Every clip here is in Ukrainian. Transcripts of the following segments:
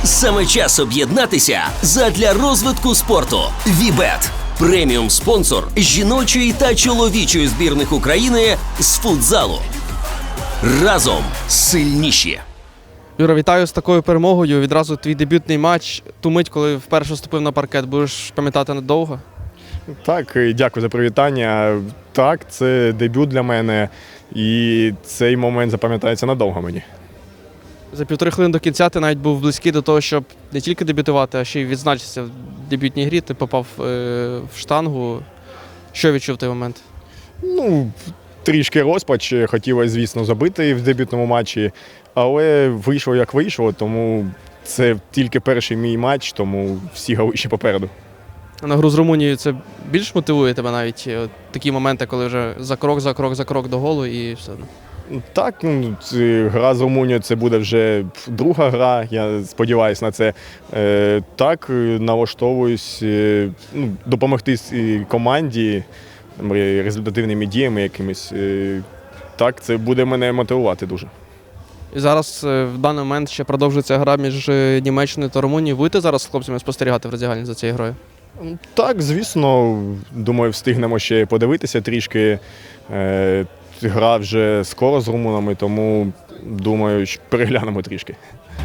Саме час об'єднатися задля розвитку спорту. Вібет – преміум-спонсор жіночої та чоловічої збірних України з футзалу. Разом сильніші! Юра, вітаю з такою перемогою. Відразу твій дебютний матч. Ту мить, коли вперше вступив на паркет, будеш пам'ятати надовго? Так, і дякую за привітання. Так, це дебют для мене, і цей момент запам'ятається надовго мені. За півтори хвилини до кінця ти навіть був близький до того, щоб не тільки дебютувати, а ще й відзначитися в дебютній грі. Ти попав в штангу. Що відчув в той момент? Трішки розпач. Хотілося, звісно, забити в дебютному матчі, але вийшло як вийшло, тому це тільки перший мій матч, тому всі голи ще попереду. На гру з Румунією це більш мотивує тебе навіть такі моменти, коли вже за крок до голу і все. Так, гра з Румунією – це буде вже друга гра, я сподіваюся на це. Так, налаштовуюсь допомогти команді результативними діями якимись. Так, це буде мене мотивувати дуже. І зараз в даний момент ще продовжується гра між Німеччиною та Румунією. Будете зараз з хлопцями спостерігати в роздягальні за цією грою? Так, звісно. Думаю, встигнемо ще подивитися трішки. Гра вже скоро з румунами, тому, думаю, переглянемо трішки.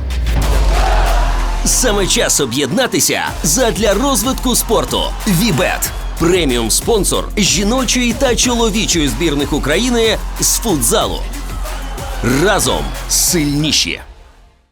Саме час об'єднатися задля розвитку спорту. Вібет – преміум-спонсор жіночої та чоловічої збірних України з футзалу. Разом сильніші!